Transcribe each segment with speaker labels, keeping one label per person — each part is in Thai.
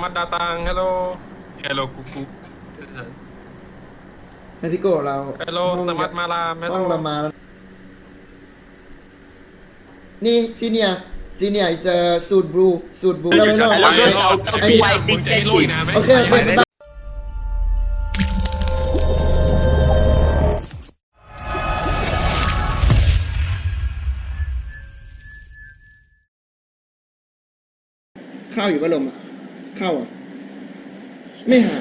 Speaker 1: Selamat datang. Hello. Hello kuku.
Speaker 2: ให้พี่โก้เรา
Speaker 1: Hello,
Speaker 2: ห้อง
Speaker 1: selamat malam.
Speaker 2: ห้อง
Speaker 1: Hello.
Speaker 2: เรามาแล้วนี่ซีเนียอิสสูตรบลูแล้วไม่รอด
Speaker 1: เอา
Speaker 2: ไอ้
Speaker 1: มึงจะให้ลุยนะไหม
Speaker 2: โอเคบ๊ายบายข้าวอยู่พัดลมอ่ะข้าวอ่ะไม่หาย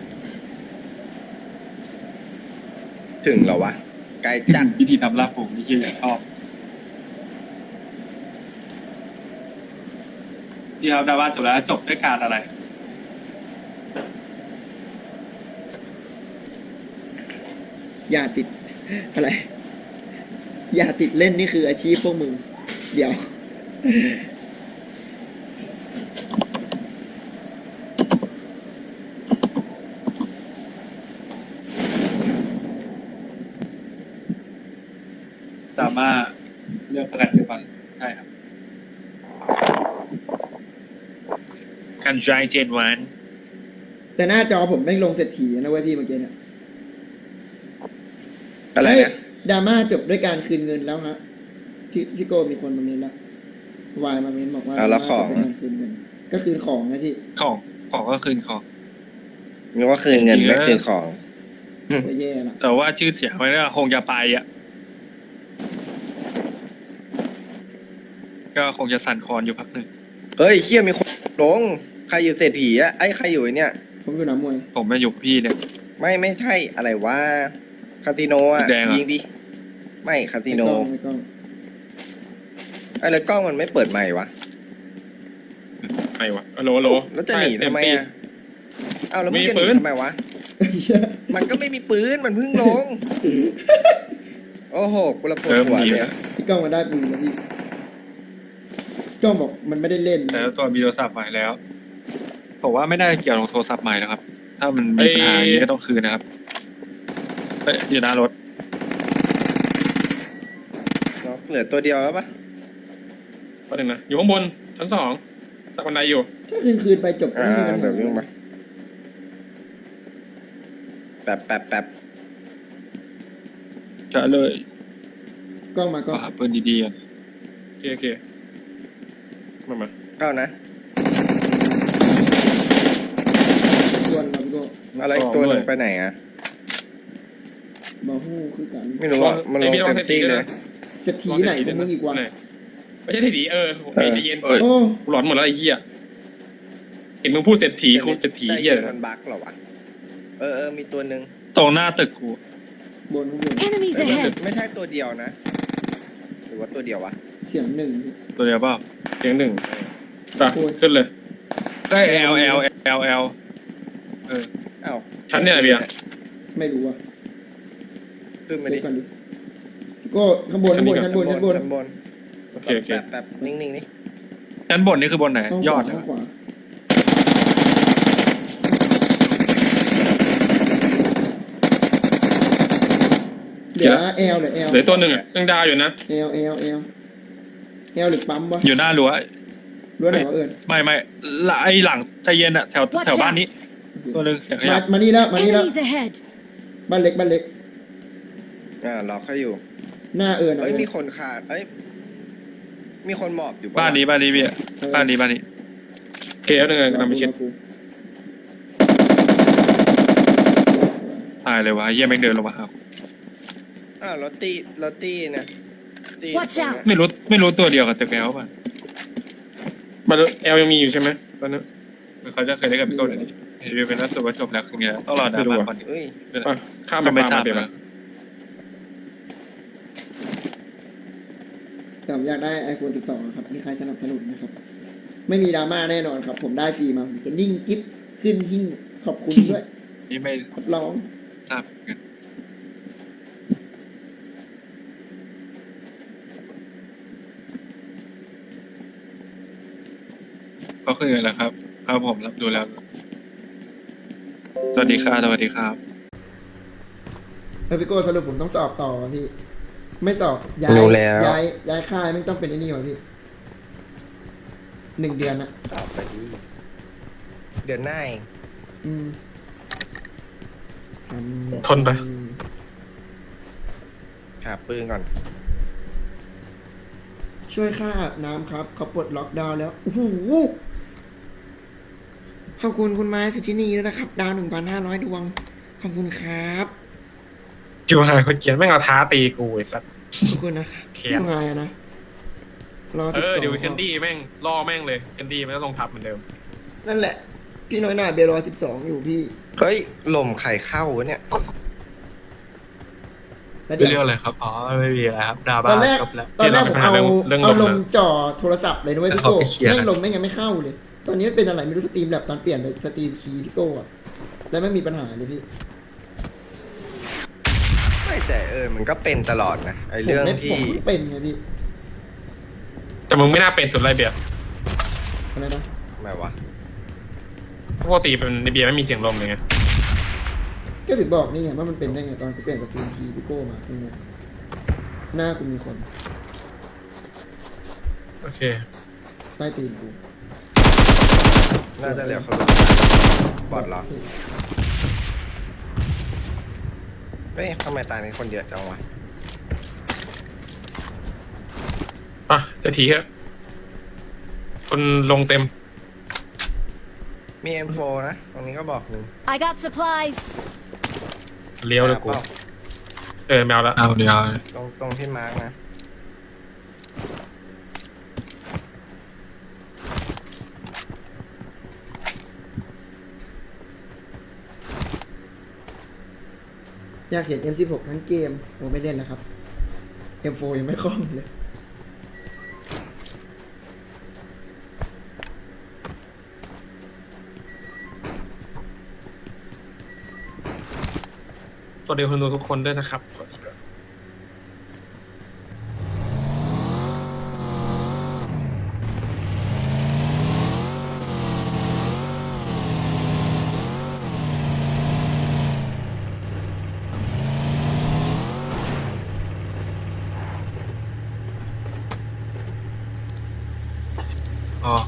Speaker 3: ถึงเหรอวะไกลจัด
Speaker 4: วิธีทำลาบผมนี่คือชอบที่ครับดาว่าจบแล้วจบด้วยการอะไร
Speaker 2: อย่าติดอะไร อย่าติดเล่นนี่คืออาชีพพวกมึง เดี๋ยว
Speaker 4: สามารถเลือกประกันชีวิตใช่ครับ
Speaker 1: Can try Gen
Speaker 2: แต่หน้าจอผมไม่งลงเศรษฐีนะเว้ยพี่เมื่อกี้เนี่ย
Speaker 3: อะไร
Speaker 2: เฮ้ย
Speaker 3: นะ
Speaker 2: ดราม่าจบด้วยการคืนเงินแล้วฮะพี่โก้มีคนมาเมนแล้ววายมาเมนบอกว่า
Speaker 3: แล้วของ
Speaker 2: ดราม่าจบด้วยการคืนเงิน ก็คืนของนะพี่
Speaker 1: ของก็คืนของ
Speaker 3: นึกว่าคืนเงินไม่คืนของ
Speaker 2: ก็แย่ละ
Speaker 1: แต่ว่าชื่อเสียงมันก็คงจะไปอ่ะ ก็คงจะสั่นคลอนอยู่พักหนึ่ง
Speaker 3: เฮ้ยเคี้ยมีคนลงใครอยู่เศรษฐีอะไอ้ใครอยู่ไอ้เนี่ย
Speaker 2: ผมอยู่หนามวย
Speaker 1: ผมมาอยู่กับพี่เนี่ย
Speaker 3: ไม่ใช่อะไรวะคาสิโนอะ
Speaker 1: แดงอะ
Speaker 3: ยิงดิไม่คาสิโน
Speaker 2: ไม่กล้อง
Speaker 3: ไอ้แล้วกล้องมันไม่เปิดใหม่วะ
Speaker 1: ไอ้วะโหล
Speaker 3: แล้วจะหนีทำไมอะอ้าวแล้วมึงจะห
Speaker 1: มีปื
Speaker 3: นี
Speaker 1: น
Speaker 3: ทำไมวะ มันก็ไม่มีปืนมันเพิ่งลง โอ้โหกูละปวดหัวเลยอะ
Speaker 2: พี่กล้องมาได้ปืนแล้วพี่กล้องบอกมันไม่ได้เล่น
Speaker 1: แล้วตัวมีโทรศัพท์ใหม่แล้วผมว่าไม่น่าเกี่ยวกับโทรศัพท์ใหม่แล้วครับ ถ้ามันมีปัญหาอย่างนี้ก็ต้องคืนนะครับเฮ้ยอยู่หน้ารถ
Speaker 3: เนาะเหลือตัวเดียวแล้วปะ
Speaker 1: ประเด็นนะอยู่ข้างบนชั้น2ตักบันไดอยู่
Speaker 2: ถ้าคืนไปจบก็
Speaker 3: อ่า
Speaker 2: ไม่มีปัญหา
Speaker 3: เดี๋ยววิ่งมาแป๊บ
Speaker 1: จะเลย
Speaker 2: กล้องมา
Speaker 1: ก็
Speaker 2: ก็
Speaker 1: หาปืนดีๆกันโอเคมา
Speaker 3: เข้านะ
Speaker 2: ชวนเราพี่โก้
Speaker 3: อะไรอีกตัวหนึ่งไปไหนอะ
Speaker 2: บาฮู้คือกัน
Speaker 3: ไม่รู้อะมันลงเต็มที่เลย
Speaker 2: เศรษฐีไหนของมึงอีกวะ
Speaker 1: ไม่ใช่เศรษฐีผมใจเย็น
Speaker 3: เอ้ย
Speaker 2: โอ้
Speaker 1: กูหลอนหมดแล้วไอ้เหี้ยเห็นมึงพูดเศรษฐีกูเศรษฐีเหี้ย
Speaker 3: มันบั๊กเหรอวะมีตัวหนึ่ง
Speaker 1: ตรงหน้าตึกกู
Speaker 2: บนข้างบน
Speaker 5: Enemies ahead!
Speaker 3: ไม่ใช่ตัวเดียวนะ หรือว่าตัวเดียววะ
Speaker 2: เสียงหนึ่ง
Speaker 1: ตัวเดียวเปล่าเสียงหนึ่งไป
Speaker 2: โอ้ย
Speaker 1: ขึ้นเลยใกล้ L
Speaker 3: อ้าว
Speaker 1: ชั้นเนี่ยเบียร์
Speaker 2: ไม่รู้อ่ะ
Speaker 3: ขึ้นมา
Speaker 2: เช็
Speaker 3: ดิ
Speaker 2: คก่อนดิพี่โก้ข้างบน
Speaker 1: ชั้นบน
Speaker 3: ชั้นบน
Speaker 1: โอเค
Speaker 3: แป๊บนิ่งๆนี่
Speaker 1: ชั้นบนนี่คือบนไหน
Speaker 2: ห้อง
Speaker 1: ย
Speaker 2: ข
Speaker 1: อ
Speaker 2: วา
Speaker 1: ดเลย
Speaker 2: ห้องขวาเหลือเอลเหลือเอล
Speaker 1: เหลือตัวหนึ่งยังดาวอยู่นะ
Speaker 2: เอลหรือปั๊มวะ
Speaker 1: อยู่หน้ารั้ว
Speaker 2: รั้วไหนวะเอิญ
Speaker 1: ไม่ไอหลังใจเย็นอะแถวบ้านนี้ ตัวหนึ่งเสียงขยับ
Speaker 2: มานี่แล้วมานี่แล้ว
Speaker 5: Enemies ahead!
Speaker 2: บ้านเล็ก
Speaker 3: ล็อกเขาอยู่
Speaker 2: หน้าเอิญ
Speaker 3: เอ้ยมีคนขาดมีคนหมอบอยู่ปะ
Speaker 1: บ้านนี้เบียร์บ้านนี้เกลหนึ่งกำลังไปชิดตายเลยวะเยี่ยแม่งเดินลงมาครับ
Speaker 3: รถตี้เนี่ยตี้
Speaker 5: Watch out
Speaker 1: ไม่รู้ตัวเดียวกับตึกแอลป่ะมันแอลยังมีอยู่ใช่ไหมตอนนั้นเขาจะเคยได้กับพี่โก้เดี๋ยวนี้เห็นเป็นนักสืบว่าจบแล้วคือไงต้องรอดราม่าก่อน
Speaker 3: เอ้ย
Speaker 1: ข้ามไปไม่ทราบเลย
Speaker 2: แต่ผมอยากได้ iPhone 12 ครับมีใครสนับสนุนนะครับ ไม่มีดราม่าแน่นอนครับ ผมได้ฟรีมาผมจะนิ่งกิ๊บขึ้นหิ้งขอบคุณด้วย
Speaker 1: นี่ไม่
Speaker 2: รับรอง
Speaker 1: ทราบกันก็คืออะไรครับครับผมรับดูแล้ว สวัสดีครับสวัสดีครับ
Speaker 2: พี่โก้สรุปผมต้องสอบต่อวะพี่ ไม่สอบย้ายค่ายไม่ต้องเป็นไอ้นี่วะพี่1 เดือนนะ
Speaker 3: ตอบไปดิเดือนหน้าเอง
Speaker 2: อืมทำ
Speaker 1: ทนไป
Speaker 3: หาปืนก่อน
Speaker 2: ช่วยค่าอาบน้ำครับเขาปลดล็อกดาวน์แล้วโอ้โหขอบคุณคุณไม้สุธินีด้วยนะครับ ดาว 1,500 ดวง ขอบคุณครับ
Speaker 1: จิวหายคนเขียนไม่งเอาท้าตีกูไอ้สัส
Speaker 2: ขอบคุณนะครับ
Speaker 1: เขียน
Speaker 2: ยังไงอะนะรอ
Speaker 1: เออ
Speaker 2: 12
Speaker 1: เดี๋ยวแคนดี้แม่งล่อแม่งเลยแคนดี้มันก็ลงทับเหมือนเดิม
Speaker 2: นั่นแหละ พี่น้อยหน่าเบลรอ12 อยู่พี่
Speaker 3: เฮ้ยลมไข่เข้าวะเนี่ย
Speaker 2: แล้ว
Speaker 1: ไม่
Speaker 2: เดี๋ยว
Speaker 1: เรื่องอะไรครับอ๋อไม่มีอะไรครับดา
Speaker 2: ต
Speaker 1: บ้า
Speaker 2: อนแรก
Speaker 1: จบแล้ว
Speaker 2: ตอนแรกผม
Speaker 1: ที่
Speaker 2: เอา
Speaker 1: เรื่อง
Speaker 2: เอา
Speaker 1: ล
Speaker 2: ล
Speaker 1: ม
Speaker 2: ง
Speaker 1: นะ
Speaker 2: จ่อโทรศัพท์เลยนะเว้ย
Speaker 1: แต่
Speaker 2: พี่
Speaker 1: เขา
Speaker 2: โก้
Speaker 1: ไปเคลียร์
Speaker 2: แม่ง
Speaker 1: กัน
Speaker 2: ลมแม่งยังไม่เข้าเลย ตอนนี้มันเป็นอะไรไม่รู้สตรีมแบบตอนเปลี่ยนไปสตรีมคีย์พี่โก้อะแล้วไม่มีปัญหาเลยพี่
Speaker 3: ไม่แต่มันก็เป็นตลอดนะไอเรื่อง
Speaker 2: ผม
Speaker 3: ที่
Speaker 2: เพิ่งเป็นไงพี่
Speaker 1: แต่มึงไม่น่าเป็นสุดไรเบียร์
Speaker 2: อะไรนะ
Speaker 3: ไม่วะ
Speaker 1: ปกติเป็นในเบียร์ไม่มีเสียงลมเลยไง
Speaker 2: ก็ถึงบอกนี่ไงว่ามันเป็นได้ไงตอนกูเปลี่ยนสตรีมคีย์พี่โก้มาคือหน้ากูมีคน
Speaker 1: โอเค
Speaker 2: ใต้ตีนกู
Speaker 3: น่าจะเหลือคนบอดเหรอเฮ้ยทำไมตายในคนเยอะจังวะ
Speaker 1: อ่ะจะทีครับคนลงเต็ม
Speaker 3: มี M4 นะ ตรงนี้ก็บอกหนึ่ง
Speaker 5: I got supplies.
Speaker 1: เลี้ยวเลยกู
Speaker 3: เปล่า
Speaker 1: แมวแล้วเอาเดียว
Speaker 3: ตรงที่มาร์กนะ
Speaker 2: อยากเห็น M16 ทั้งเกมโอ้ไม่เล่นแล้วครับ M4 ยังไม่คล่องเลย
Speaker 1: สวัสดีคุณดูทุกคนด้วยนะครับ อ๋อ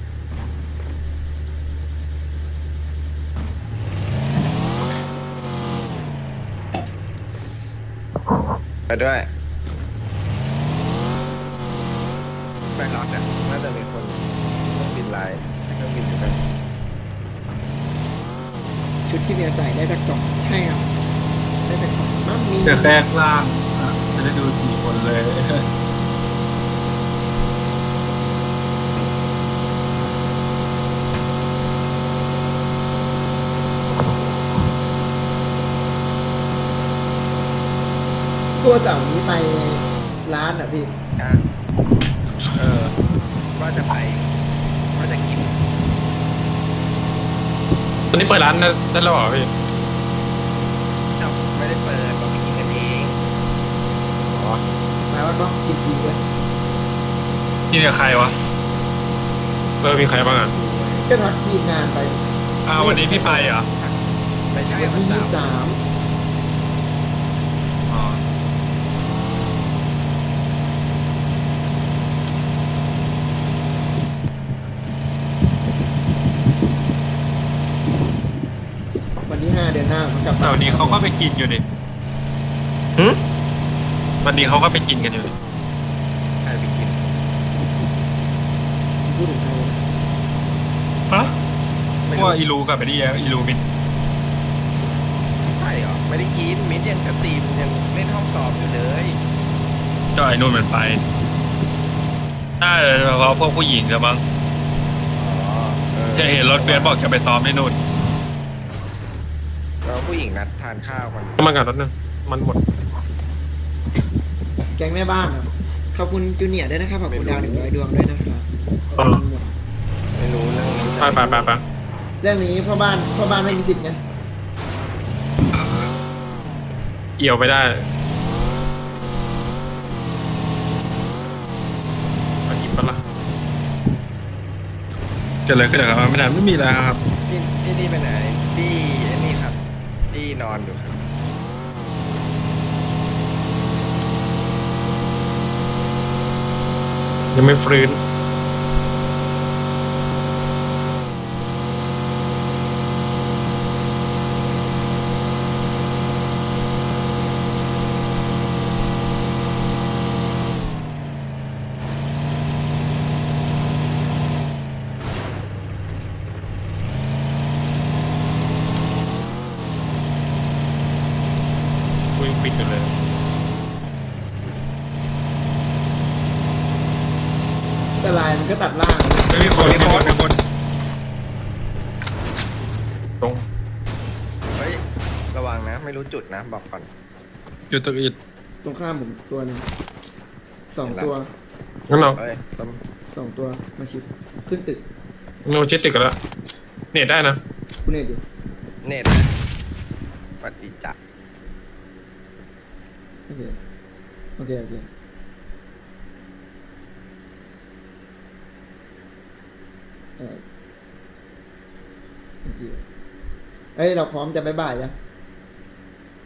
Speaker 3: ไปด้วยไปรอดนะน่าจะมีคนต้องบินไลน์ให้เครื่องบินอยู่กัน
Speaker 2: ชุดที่เมียใส่ได้จากกล่องใช่ครับได้จากกล่องมั่งมี
Speaker 4: จะแทรกล่างจะได้ดูกี่คนเลย
Speaker 2: ตัวเสาร์นี้ไปร้านอ่ะพี่
Speaker 3: อ่ะว่าจะไปว่าจะกิน
Speaker 1: ตอนนี้เปิดร้านได้แล้วเหรอพี่
Speaker 3: เอ้าไม่ได้เปิดเราไปกินกันเอง
Speaker 1: อ๋อ
Speaker 2: หมายว่าต้องกินฟรีด้วย
Speaker 1: นี่เนี่ยใครวะมีใครบ้างอ่ะ
Speaker 2: ก็ทักทีมงานไป
Speaker 1: วันนี้พี่ไปเหรอ
Speaker 3: ไม่ใช่
Speaker 2: วัน
Speaker 3: วัน
Speaker 2: ที่
Speaker 3: เสาร์
Speaker 2: 23
Speaker 1: อ๋อ
Speaker 2: วันที่ 5 เดือนหน้าผมกลับ
Speaker 1: แต่วันนี้เขาก็ไปกินอยู่ดิ
Speaker 3: หึ
Speaker 1: วันนี้เขาก็ไปกินกันอยู่ดิ
Speaker 3: ใครไปกิน
Speaker 2: พูดถึงใครนะ
Speaker 1: ฮะ
Speaker 3: ไม่
Speaker 1: พ
Speaker 3: รู้
Speaker 1: วกอีลูกับไอ้นี่อีลูมิน
Speaker 3: ใช่เหรอไม่ได้กินมิ้นยังสตรีมยังเล่นห้องสอบอยู่เลย
Speaker 1: เจ้าไอ้นู่นมันไปน่าจะเพราะพวกผู้หญิงกันมั้ง
Speaker 3: อ๋อออ
Speaker 1: จะเห็นรถเฟียสบอกจะไปซ้อมที่นู่น
Speaker 3: แล้วผู้หญิงนัดทานข้าวกัน
Speaker 1: มากันรถนึงมันหมด
Speaker 2: แก๊งแม่บ้านครับขอบคุณจูเนียร์ด้วยนะครับขอบคุณดาว100 ดวงด้วยนะครับ
Speaker 3: ไม่รู้เรื่องนี้
Speaker 1: ไป
Speaker 2: เรื่องนี้พ่อบ้านไม่มีสิทธิ์ไง
Speaker 1: เอี่ยวไปได้มากินปะล่ะเกิดอะไรขึ้นเหรอครับไม่มีแล้วครับ
Speaker 3: ที่นี่ไปไหนที่ไอ้นี่ครับที่นอนอยู่ครับ
Speaker 1: ยังไม่ฟื้นกอยู่เลย
Speaker 2: แต่ลายมันก็ตัดล่าง
Speaker 1: ไม่มีคนมีคนตรง
Speaker 3: เฮ้ยระวังนะไม่รู้จุดนะบอกก่อน
Speaker 1: อยู่ตรงอิด
Speaker 2: ตรงข้ามผมตัวหนึง2 ตัว
Speaker 1: งั้นเรา
Speaker 3: เฮ้ยต้น
Speaker 2: 2 ตัวมาชิดขึ้นตึก
Speaker 1: โนชิดติดกันแล้วเน็ตได้นะ
Speaker 2: คุณเอกอยู่
Speaker 3: เน็ตนะปฏิจจ์
Speaker 2: โอเคโอเคโอเคโอเคเอ้ยเราพร้อมจะบ๊ายบายยังไป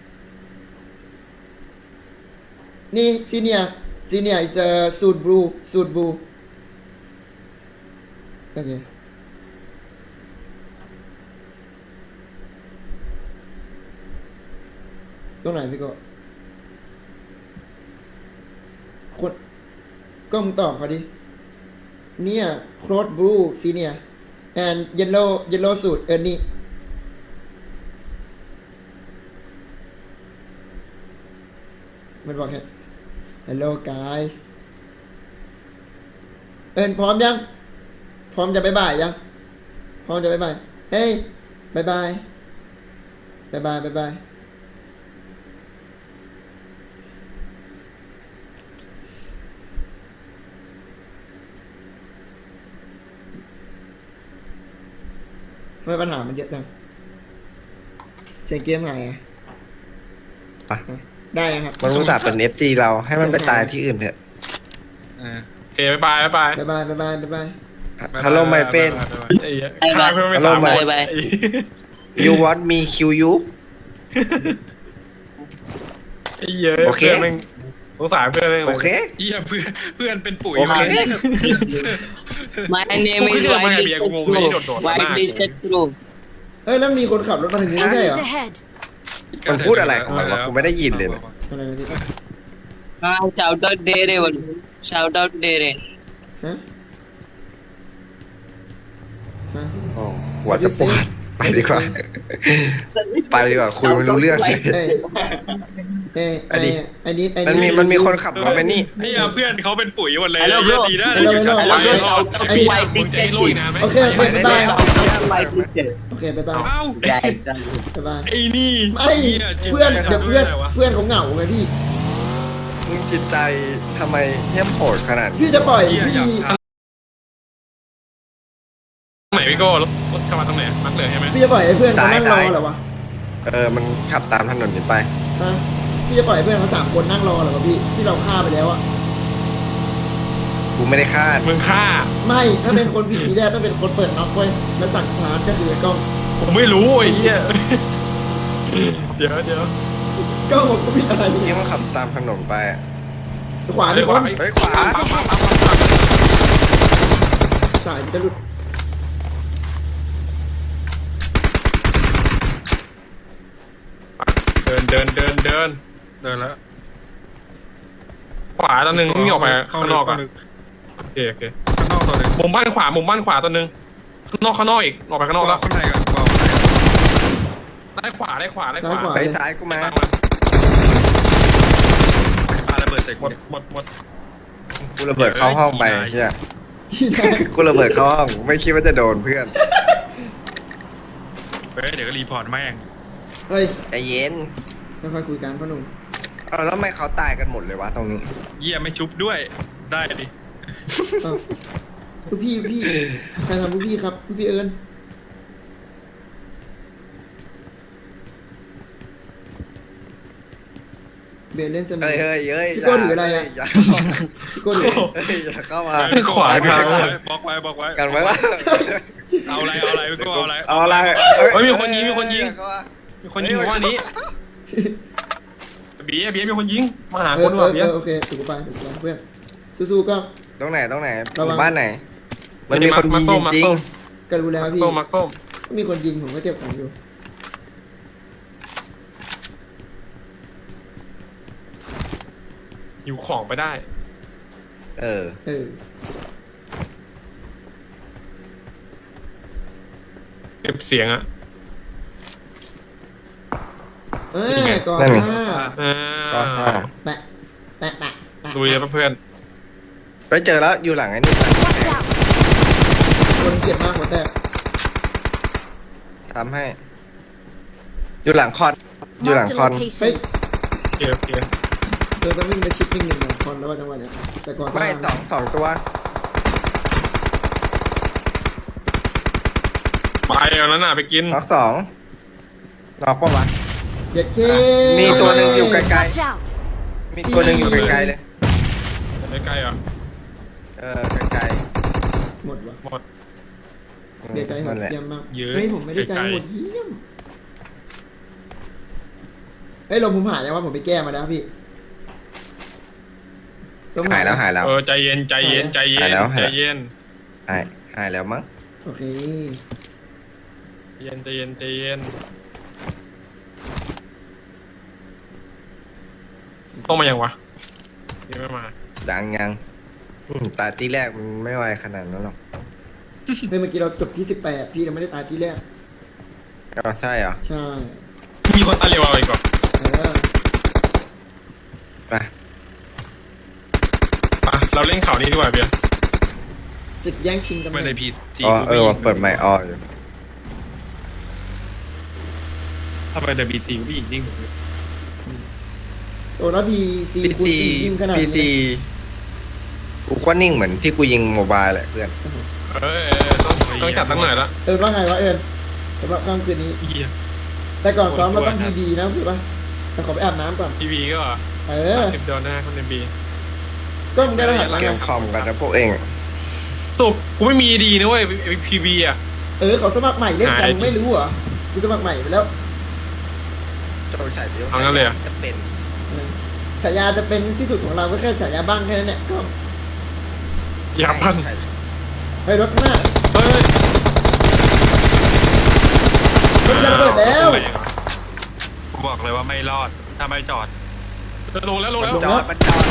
Speaker 2: นี่ซีเนียis a suit blueโอเคตรงไหนพี่โก็คนก็มึงตอบเขาดิเนี่ย cloth blue senior and yellow suit นี่มันบอกแค่ hello guys พร้อมยัง พร้อมจะบ๊ายบายยัง พร้อมจะบ๊ายบายเฮ้ยบ๊ายบายบ๊ายบายบ๊ายบายทำไมปัญหามันเยอะจังเสียงเกมหายอ่ะ
Speaker 3: อ่ะ
Speaker 2: ได้ยังครับ
Speaker 3: มันรู้จักเป็น FG เราให้มันไปตายที่อื่นเถอะ
Speaker 1: โอเคบ๊ายบายบ๊ายบาย
Speaker 2: บ๊ายบายบ๊ายบายบ๊ายบาย
Speaker 3: ฮัลโหล my friend
Speaker 1: ไอ้เหี้ยฆ่าเพื่อนไม่สาม
Speaker 3: Hello,
Speaker 1: คน
Speaker 3: my- you want me kill you
Speaker 1: ไอ้เหี้ย
Speaker 3: โอเค
Speaker 1: เพื่อนแม่งสงสารเพื่อนแม่ง
Speaker 3: โอเค
Speaker 1: เหี้ยเพื่อนเป็นปุ๋ย
Speaker 3: โอเค
Speaker 5: My name is
Speaker 1: Why
Speaker 5: White
Speaker 1: did
Speaker 5: District
Speaker 1: you-
Speaker 5: Crew. White District Crew.
Speaker 2: เอ้ยแล้วมีคนขับรถมาถึงนี้ไม่ใช่เหรอ
Speaker 6: Enemies ahead.
Speaker 3: มันพูดอะไรของมันวะกูไม่ได้ยินเลยเนี่ย
Speaker 2: อะไรนะพี่
Speaker 5: Shout out Dere one. Shout out Dere.
Speaker 2: ฮะฮะ
Speaker 3: โอ้หัวจะปวดไปดีกว่า ไปดีกว่าคุยไม่รู้เรื่องเลย
Speaker 2: เอ้ยเอ้ย
Speaker 3: อันนี้
Speaker 2: ไอ้นี้
Speaker 3: มันมีคนขับรถไปนี่
Speaker 1: ไอ้เหี้ยเพื่อนเขาเป็นปุ๋ยหมดเลย
Speaker 5: Hello,
Speaker 1: เหี้ย
Speaker 5: bro.
Speaker 1: ดีนะ
Speaker 2: Hello, hello, hello, hello.
Speaker 1: ไอ้เหี้ยมึงจะให้โลยนะไหม
Speaker 2: โอเคโอเคบ๊ายบาย
Speaker 5: Shout out White District.
Speaker 2: โอเคบ๊ายบาย
Speaker 1: เอ้า
Speaker 5: Yeah.
Speaker 2: บ๊ายบาย
Speaker 1: ไอ้นี่
Speaker 2: ไม่
Speaker 1: หี้ยจิต
Speaker 2: เพื่อน
Speaker 1: ใจ
Speaker 2: เดี๋ยว
Speaker 1: ทำ
Speaker 2: เพื่อน
Speaker 1: ได้ไงวะ
Speaker 2: เพื่อนเขาเหงาไงพี่
Speaker 3: มึงจิตใจทำไมเหี้ยมโหดขนาดนี้
Speaker 2: พี่จะปล่อย
Speaker 1: เหี้ย
Speaker 2: พี่
Speaker 1: อยากทำตรงไหนพี่โก้รถขับมาตรงไหนมักเลยใช่ไหม
Speaker 2: พี่จะปล่อยให้เพื่อนเขานั่งรอเหรอวะ
Speaker 3: มันขับตามถนนนี้ไป
Speaker 2: ฮะพี่จะปล่อยให้เพื่อนเขา3 คนนั่งรอเหรอวะพี่ที่เราฆ่าไปแล้วอะ
Speaker 3: กูไม่ได้คาด
Speaker 1: มึงฆ่า
Speaker 2: ไม่ถ้าเป็นคนผิดทีแรกต้องเป็นคนเปิดน็อกไว้แล้วสั่งชาร์จก็คือไอ้กล้อง
Speaker 1: ผมไม่รู้ไอ้เหี้ยเดี๋ยว
Speaker 2: กล้องผมก็ผิดอะไร
Speaker 3: ที่
Speaker 2: เนี่ย
Speaker 3: มันขับตามถนนไปอะ
Speaker 2: ขวาพี่คน
Speaker 3: เฮ้ยขวา
Speaker 2: สายจะหลุด
Speaker 1: เดินแล้ว ขวาตัวหนึ่งนี่ออกไปข้างนอกอ่ะโอเคข้างนอกตัวหนึ่งมุมบ้านขวาตัวหนึ่งข้างนอกอีกออกไปข้างนอกแล้วข้างในกันได้ขวา
Speaker 2: ซ้ายขวา
Speaker 3: ไป
Speaker 2: เลย
Speaker 3: ซ้ายกูมา
Speaker 1: ปาระเบิดใส่หมด
Speaker 3: กูระเบิดเข้าห้องไปเชี่ย
Speaker 2: ที่ไหน
Speaker 3: กูระเบิดเข้าห้องไม่คิดว่าจะโดนเพื่อน
Speaker 1: เดี๋ยวก็รีพอร์ตแม่ง
Speaker 2: เฮ้ย
Speaker 3: ใจเย็น
Speaker 2: ค่อยๆคุยกันพ่อหนุ่ม
Speaker 3: เอาแล้วทำไมเขาตายกันหมดเลยวะตรงนี้
Speaker 1: เยี่ยไม่ชุบด้วยได้ดิ
Speaker 2: เอ้าลูกพี่ใครทำลูกพี่ครับลูกพี่เอิญเบนเล่นเสมอ
Speaker 3: เฮ้ย
Speaker 2: พี่โก้ถืออะไรอะ
Speaker 3: อย่า
Speaker 2: พี่โก้ดู
Speaker 3: อย่าเข้ามา
Speaker 1: ขวา
Speaker 3: ทาง
Speaker 1: บล็อกไว้
Speaker 3: กันไว้ว่า
Speaker 1: เอาอะไรพี่โก้เอาอะไร
Speaker 3: เอาอะไร
Speaker 1: เฮ้ยมีคนยิง
Speaker 3: อย่าเข้าา
Speaker 1: มีคนยิงหัวนี้บีมีคนยิงมาหา
Speaker 2: เอ
Speaker 1: ค
Speaker 2: อน
Speaker 1: ว่ะบี
Speaker 2: โอเคถูกไปเพื่อนสู้ๆก็
Speaker 3: ตรงไหน
Speaker 2: ระวัง
Speaker 3: หมู่บ้านไหน มันมีคนยิงจริง
Speaker 2: ก็รู้แล้วพี่
Speaker 1: มักส้ม
Speaker 2: มีคนยิงผมก็เจ็บของอยู่
Speaker 1: อยู่ของไปได้
Speaker 3: ๆเออ
Speaker 2: เออ
Speaker 1: เก็บเสียงอะ
Speaker 2: ก่อน
Speaker 3: นั่นไง
Speaker 2: ห้า
Speaker 1: อ่า
Speaker 3: ก็ห้า
Speaker 2: แตะแตะแตะแตะ
Speaker 1: ลุยเลยเพื่อน
Speaker 3: ไปเจอแล้วอยู่หลังไอ้นี่
Speaker 6: Watch out!
Speaker 2: คนเกลียดมากหัวแตก
Speaker 3: ทำให้ อยู่หลังคอน อยู่หลัง
Speaker 6: Marked a
Speaker 3: คอน
Speaker 2: เฮ้ย
Speaker 6: location.
Speaker 1: โอเค
Speaker 2: เธอต้องวิ่งไปชิปวิ่งหนึ่งคอนแล้วว่าจังหวะเนี้ยแต่ก่อน
Speaker 3: ไม่สองตัว
Speaker 1: ไปเอาแล้วน่ะไปกิน
Speaker 3: น็อกสองน็อกปะวะ
Speaker 2: เหยียดเค
Speaker 3: มีตัวหนึ่งอยู่ไกล
Speaker 6: Watch out!
Speaker 3: ๆ มีตัวหนึ่งอยู่ไกลๆเลย
Speaker 1: ใกล้ๆเหรอ
Speaker 3: ไกล
Speaker 2: หมดวะ
Speaker 1: หมด
Speaker 3: ๆ
Speaker 2: เบียร์ใจโห
Speaker 3: นั่
Speaker 2: ด
Speaker 3: นแหละ
Speaker 2: เยี่ยมมาก
Speaker 1: เยอะ
Speaker 2: เฮ้ยผมไม่ได้ใจ
Speaker 1: ไกลๆ
Speaker 2: โหดเยี่ยมเฮ้ยลมผมหายยังว่าผมไปแก้มาแล้วพี่ลม
Speaker 3: หายแล้วหายแล้ว
Speaker 1: ใจเย็นใจเย็นใจเย็
Speaker 3: หาย
Speaker 1: น
Speaker 3: แล้ว
Speaker 1: ใจเย็น
Speaker 3: หายแล้วมั้ง
Speaker 2: โอเค
Speaker 1: ใจเย็นใจเย็นต้องมายังวะยังไม่มา
Speaker 3: ยังตาที่แรกมันไม่ไวขนาดนั้นหรอก
Speaker 2: เฮ้ยเมื่อกี้เราจบที่18พี่เราไม่ได้ตายที่แรก
Speaker 3: อ๋อใช่เหรอ
Speaker 2: ใช่
Speaker 1: มีคนตายเร็วเอาอีกก่อน
Speaker 2: เออ
Speaker 3: ไป
Speaker 1: เราเล่นข่าวนี้ดีกว่าเบียร์
Speaker 2: ศึกแย่งชิงตำแห
Speaker 1: ไม่
Speaker 2: น่
Speaker 1: ได้
Speaker 2: ง
Speaker 1: พีซี
Speaker 3: ว่าเปิดไมค์อออยู่
Speaker 1: ถ้าไปแต่พีซีผู้หญิงยิ่ง
Speaker 2: โอ้แล้วพีซีคูณ4ยิงขนาด
Speaker 3: พี
Speaker 2: นี้
Speaker 3: ซีกูก็นิ่งเหมือนที่กูยิงโมบายแหละเพื่อน
Speaker 1: ต้องจัดตั้งหน่อยละ
Speaker 2: ว่าไงวะสำหรับค่ำคืนนี้
Speaker 1: เฮีย
Speaker 2: แต่ก่อนซ้อมเราต้องพีดีนะถูกปะแต่ขอไปอาบน้ำก่อน
Speaker 1: ทีวีก็$10นะคนในบี
Speaker 2: ก็มึงได้รหัสแล้ว
Speaker 3: เก
Speaker 2: ไง
Speaker 3: มคอมกันนะพวกเอง
Speaker 1: สุกกูไม่มีดีนะเว้ยพีบีอ่ะ
Speaker 2: เขาสมัครใหม่เล่นกัน
Speaker 1: หาย
Speaker 2: ไม่รู้เหรอกูสมัครใหม่ไปแล้ว
Speaker 3: โจฉายเดียว
Speaker 1: เอางั้นเลยเหรอ
Speaker 3: จะเป็น
Speaker 2: ฉายาจะเป็นที่สุดของเราก็แค่ฉายาบ้างแค่นั้นแหละก็
Speaker 1: ยาพัน
Speaker 2: เฮ้ยรถหน้า
Speaker 1: เฮ้ย
Speaker 2: รถจะระเบิดแล้ว
Speaker 1: กูบอกเลยว่าไม่รอดถ้าไม่จอดลงแล้ว
Speaker 3: จอดมันจอด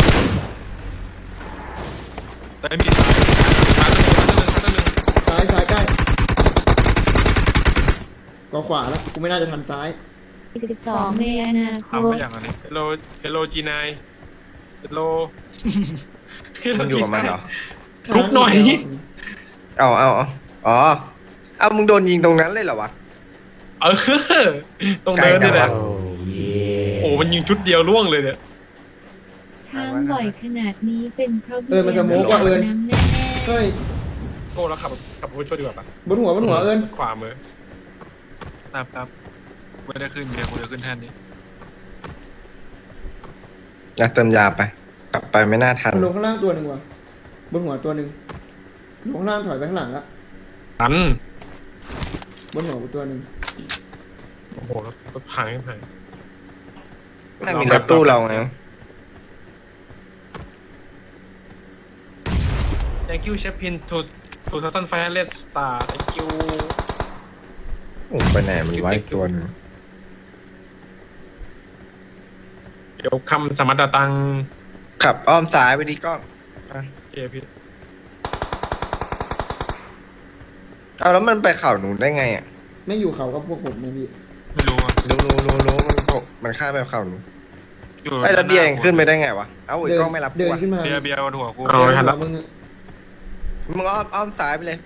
Speaker 1: แต่มีซ้าย
Speaker 2: ซ้ายใกล้ก็ขวาแล้วกูไม่น่าจะทันซ้าย
Speaker 6: 12ในอนาค
Speaker 1: ทำ
Speaker 6: ต
Speaker 1: ไม่อย่างนี้เฮลโลจีนายเฮลโล
Speaker 3: มันอยู่กับมันเหรอ
Speaker 1: ลุกหน่อย
Speaker 3: อ๋อมึงโดนยิงตรงนั้นเลยเหรอวะ
Speaker 1: ต้องเดินด้วยแหละโอ้มันยิงชุดเดียวล่วงเลยเนี่ย
Speaker 6: ทางบ่อยขนาดนี้เป็นเพราะ
Speaker 2: มันจะโม้กว่าเอิญ
Speaker 6: น้ำแน่
Speaker 2: เฮ้ย
Speaker 1: โอ้เราขับรถช่วยดีกว่าปะ
Speaker 2: บนหัวเอิญ
Speaker 1: ขวามือครับไม่ได้ขึ้นเดี๋ยวกูจะขึ้นแทนนี้
Speaker 3: อยากเติมยาไป กลับไปไม่น่าทัน
Speaker 2: มันลงข้างล่างตัวหนึ่งว่ะบนหัวตัวหนึ่งลงข้างล่างถอยไปข้างหลังละ
Speaker 1: อัน
Speaker 2: บนหัวกูตัวหนึ่ง
Speaker 1: โอ้โหรถพังยังไง
Speaker 3: น่ามีรถตู้เราไง
Speaker 1: Thank you Chapin to 2005 star Thank you
Speaker 3: โอ้ไปไหนมันไว้ตัวหนึง
Speaker 1: เดี๋ยวคำสมัตตัง
Speaker 3: ขับอ้อมซ้ายไปดีกล้อง
Speaker 1: เจพี่
Speaker 3: เอาแล้วมันไปเข่าหนูได้ไงอ่ะ
Speaker 2: ไม่อยู่เขากับพวกผมนะพี่
Speaker 1: ไม่รู้อ่ะ
Speaker 3: รู้มันข้ามไปเข่าหนูไอ้ระเบียงขึ้นไปได้ไงวะ เอ้าไอ้กล้องไม่รับ
Speaker 2: เดิ
Speaker 3: กู
Speaker 2: น
Speaker 3: อะ
Speaker 2: ขึ้นมา
Speaker 1: เบียร์บนหัวกู
Speaker 2: เดิ
Speaker 1: เอา
Speaker 2: น
Speaker 1: ไว้ทัน
Speaker 2: หั
Speaker 1: ละ
Speaker 2: วมึงอะ
Speaker 3: มึงอ้อมซ้ายไปเลย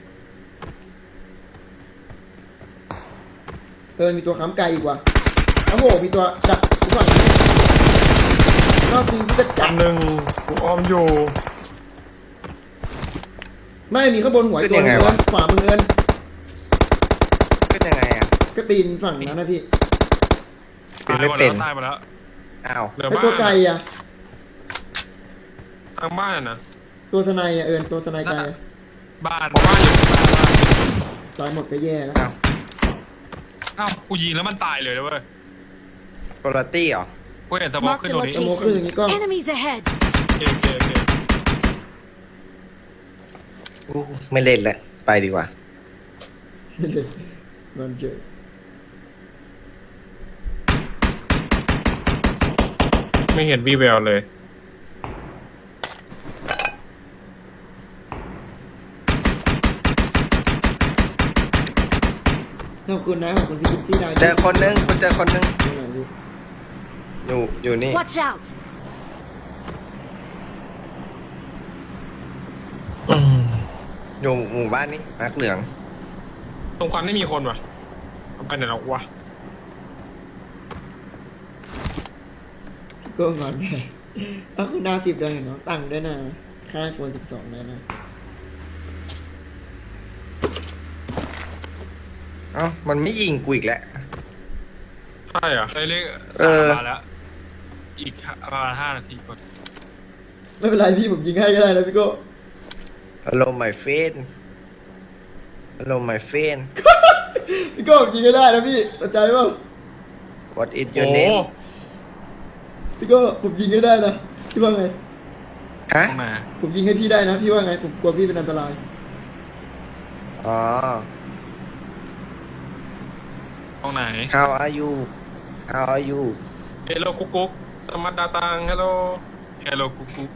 Speaker 2: มีตัวค้ำไกลอีกว่ะโอ้โหมีตัวจับกูก่อนรอบนี้กูจะจับ
Speaker 1: หนึ่งกูอ้อมอยู่
Speaker 2: ไม่มีข้างบนหัวอีกตัวหนึงเอิญขวามือเอิญ
Speaker 3: ขึ้นยังไงอ่ะ
Speaker 2: ก็ปีนฝั่งนั้นนะพี่
Speaker 3: ปีนไม่เป็น
Speaker 1: ตายหมดแล้ว
Speaker 3: อ้าว
Speaker 1: เหลือ
Speaker 2: ไอ้
Speaker 1: บ้าน
Speaker 2: ตัวไกลอะ
Speaker 1: ทางบ้านนะ
Speaker 2: ตัวสไนอะเอิญตัวสไนไกลอะ
Speaker 1: บ้านอยู่
Speaker 2: ตายหมดก็แย่แล้ว
Speaker 3: อ้าว
Speaker 1: อ้าวกูยิงแล้วมันตายเลยเว้ย
Speaker 3: โคลตี้เหรอ
Speaker 1: กูเห็นสมองขึ้น
Speaker 6: Marked
Speaker 1: ต
Speaker 6: a
Speaker 1: รงนี้
Speaker 2: สโมคคืออย่างนี้กล้อง
Speaker 6: location. Enemies ahead.
Speaker 1: โอเค
Speaker 3: อู้ไม่เล่นแล้ว ไปดีกว่า
Speaker 2: มันเจอ
Speaker 1: ไม่เห็นวีแววเลย
Speaker 2: ขอบคุณนะขอบคุณพี่กิ๊ฟที่ได้
Speaker 3: เจอคนนึงคุณเจอคนนึง
Speaker 2: ดูหน่อยพี่
Speaker 3: อยู่นี่
Speaker 7: Watch out!
Speaker 3: อยู่หมู่บ้านนี้มาร์คเหลือง
Speaker 1: ตรงควันไม่มีคนวะเอาไปไหนแล้ววะ
Speaker 2: ก็งอนไงเอาคุณดาว10เดือนเห็นน้องตังค์ด้วยนะค่าควร12เลยนะ
Speaker 3: เอ้ามันไม่ยิงกูอีกแล้ว
Speaker 1: ใช่เหรอ
Speaker 4: ได้เลข
Speaker 3: เอ
Speaker 4: สาม
Speaker 3: อ
Speaker 4: มาแล้ว อีกประมาณ5 นาทีก่อน
Speaker 2: ไม่เป็นไรพี่ผมยิงให้ก็ได้นะพี่โก้
Speaker 3: Hello my friend Hello my friend
Speaker 2: พี่โก้ผมยิงให้ได้นะพี่สนใจเปล่า
Speaker 3: What is
Speaker 1: โอ้
Speaker 3: your name
Speaker 2: พี่โก้ผมยิงให้ได้นะพี่ว่าไง
Speaker 3: ฮะ
Speaker 4: ต้องมา
Speaker 2: ผมยิงให้พี่ได้นะพี่ว่าไงผมกลัวพี่เป็นอันตราย
Speaker 3: อ๋อ
Speaker 4: ตรงไหน
Speaker 3: How are you How are you
Speaker 1: เฮลโลกุ๊กกุ๊กสมัตดาตังเฮลโล
Speaker 4: แฮลโลกุ๊กกุ๊ก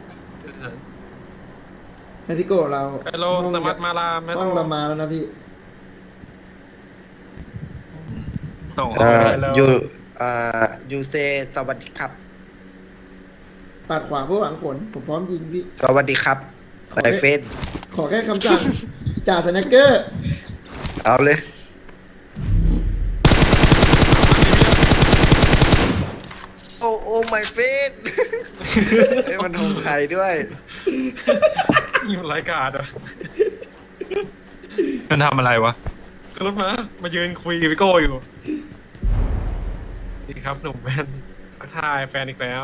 Speaker 2: ให้พี่โก้เรา
Speaker 1: เฮลโลสมัตมาลาเฮล
Speaker 2: ห้อง
Speaker 1: โล
Speaker 2: เรามาแล้วนะพี่
Speaker 4: ส่ง
Speaker 3: เอ่อ
Speaker 4: แล้ว
Speaker 3: you say สวัสดีครับ
Speaker 2: ปาดขวาเพื่อหวังผลผมพร้อมยิงพี่
Speaker 3: สวัสดีครับ
Speaker 2: ขอ
Speaker 3: my
Speaker 2: แค่
Speaker 3: friend
Speaker 2: ขอแค่คำสั่ง จ่าสแน็คเกอร์
Speaker 3: เอาเลย โอ้โอ้ my friend เฮ้ยมันทงไข่ด้วย
Speaker 1: นี่มันรายการอ่ะ
Speaker 4: มันทำอะไรวะ
Speaker 1: ขึ้นรถมายืนคุยกับพี่โก้อยู่ดีครับหนุ่มแมนทักทายแฟนอีกแล้ว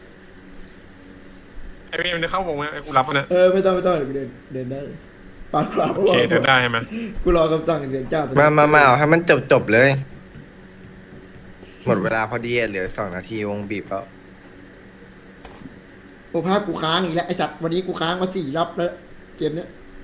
Speaker 1: ไอ้เมย์มันจะเข้าวงไหมไอ้กูรับมันนะ
Speaker 2: ไม่ต้องเดี๋ยวกูเดินได้ปาดขวา
Speaker 1: โอเคเดินได้ใช่ไหม
Speaker 2: กูรอคำสั่งเสียงจ่าสแน็คเกอร์
Speaker 3: มาเอาให้มันจบเลย หมดเวลาพอดีอะเหลือ2 นาทีวงบีบแล้ว
Speaker 2: โอ้ภาพกูค้างอีกแล้วไอ้สัตว์วันนี้กูค้างมา4 รอบแล้วเกมเนี้ย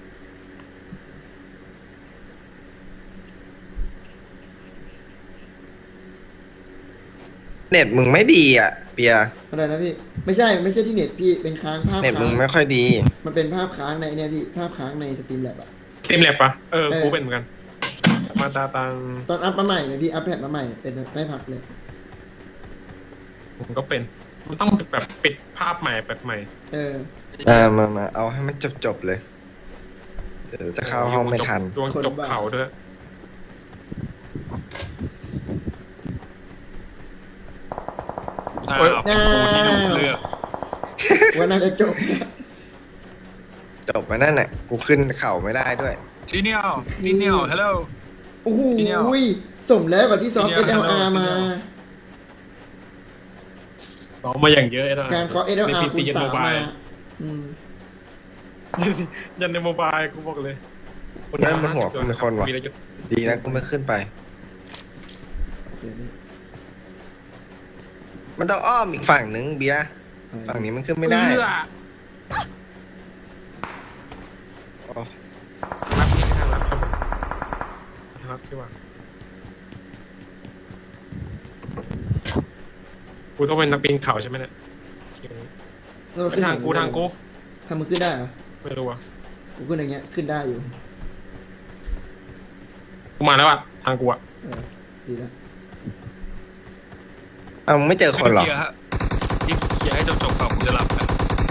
Speaker 3: เน็ตมึงไม่ดีอ่ะ เปีย
Speaker 2: อะไรนะพี่ไม่ใช่ที่เน็ตพี่เป็นค้างภาพ
Speaker 3: เน็ต
Speaker 2: ค้า
Speaker 3: มึ
Speaker 2: ง
Speaker 3: งไม่ค่อยดี
Speaker 2: มันเป็นภาพค้างในเนี่ยพี่ภาพค้างในสตรีมแลบอะ
Speaker 1: เต็มแลบปะกูเป็นเหมือนกันมาตาตัง
Speaker 2: ตอนอัพมาใหม่เนี่ยพี่อัพแพดมาใหม่เป็นไม่พักเลย
Speaker 1: ผมก็เป็น มันต้องแบบปิดภาพใหม่แบบใหม่
Speaker 3: มาเอาให้มันจบเลย เดี๋ยวจะเข้าห้องไม่ทัน
Speaker 1: ดวงจบเขาด้วย
Speaker 4: อ้าวเป็นกูที่ถูกเลือก
Speaker 2: ว่าน่าจะจบนะ
Speaker 3: จบมานั่นแหละกูขึ้นเข่าไม่ได้ด้วย
Speaker 4: ทีเนียลฮัลโหล
Speaker 2: โอ้โห
Speaker 4: พี่เนี่ย
Speaker 2: สมแล้วกับที่ซ้อม
Speaker 1: พี่เนี่ย
Speaker 2: SLR มา
Speaker 1: ซ้อมมาอย่างเยอะนะ
Speaker 2: การเคาะ
Speaker 1: ใน
Speaker 2: SLR
Speaker 1: PC
Speaker 2: คูณ
Speaker 1: ยัน
Speaker 2: 3
Speaker 1: โมบาย
Speaker 2: มาอืม
Speaker 1: ยันในโมบายกูบอกเลย
Speaker 3: ได้มันหัวกูเป็นคนวะ
Speaker 1: มีอะไรจะ
Speaker 3: ดีนะกูไม่ขึ้นไป
Speaker 2: โอเคพี่
Speaker 3: มันต้องอ้อมอีกฝั่งนึงเบียร์
Speaker 2: อะไร
Speaker 3: ฝั่งนี้มันขึ้นไม่ได้
Speaker 1: เอื้อ
Speaker 3: โอ้
Speaker 1: รับนี่ทางรับครับทางรับที่ว่ากูต้องเป็นนักปีนเขาใช่ไหมเนี่ย
Speaker 2: แล้วมันขึ้น
Speaker 1: ทางกู
Speaker 2: ทำมันขึ้นได้เหรอ
Speaker 1: ไม่รู้อ่ะ
Speaker 2: กูขึ้นอย่างเงี้ยขึ้นได้อยู่
Speaker 1: กูมาแล้วอ่ะทางกูอ่ะ
Speaker 2: ดีแล้ว
Speaker 3: เอามึงไม่เจอคนหรอ
Speaker 4: เคลียร์ฮะรีบเคลียร์ให้จบก่อนกูจะหลับแล้ว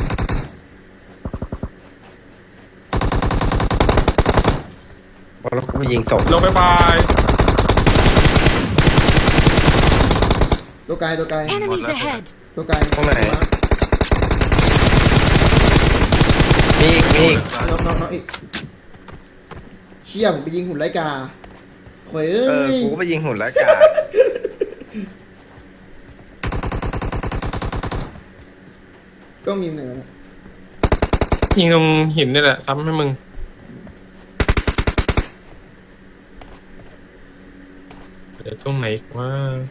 Speaker 3: แล้วกูไปยิงศพ
Speaker 1: ลงไปบาย
Speaker 2: ตัวไกล
Speaker 7: Enemies ahead!
Speaker 2: ตัวไกล
Speaker 3: ตรงไหน มีอีก
Speaker 2: น้องอีกเชี่ยผมไปยิงหุ่นไลกาโว้ย
Speaker 3: กูก็ไปยิงหุ่นแล้วกา
Speaker 2: ก็มีเหนือนะ
Speaker 1: ยิงตรงหินนี่แหละซ้ำให้มึงเดี๋ยวตรงไหนว่า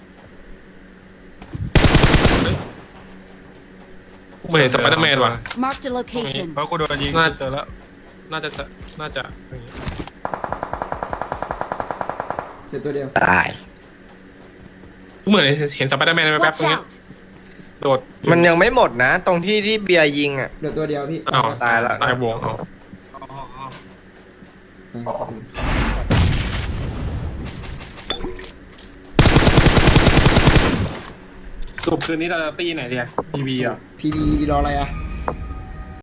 Speaker 1: กูไม่เห็นสไปเดอร์แมนว่ะ
Speaker 7: Marked a location.
Speaker 4: เพราะกูโดนยิง
Speaker 1: น่า
Speaker 4: เจอแล้ว
Speaker 1: น่าจะอย่างงี้
Speaker 2: เดี๋ยวตัวเดียว
Speaker 3: ตาย
Speaker 1: กูเหมือนเห็นสไปเดอร์แมนแป๊บๆ
Speaker 7: Watch
Speaker 1: ตรงนี้
Speaker 7: out!
Speaker 1: โดด
Speaker 3: มันยังไม่หมดนะ ตรงที่เบียร์ยิงอ่ะ
Speaker 2: เดี๋ยวตัวเดียวพี่
Speaker 1: อ้าว
Speaker 3: ตายละ
Speaker 1: ตายวงเอา
Speaker 2: ต
Speaker 1: สรุปคืนนี้เราจะตีไหนดีอะทีวีอ่ะ
Speaker 2: พีบีรออะไรอ่ะ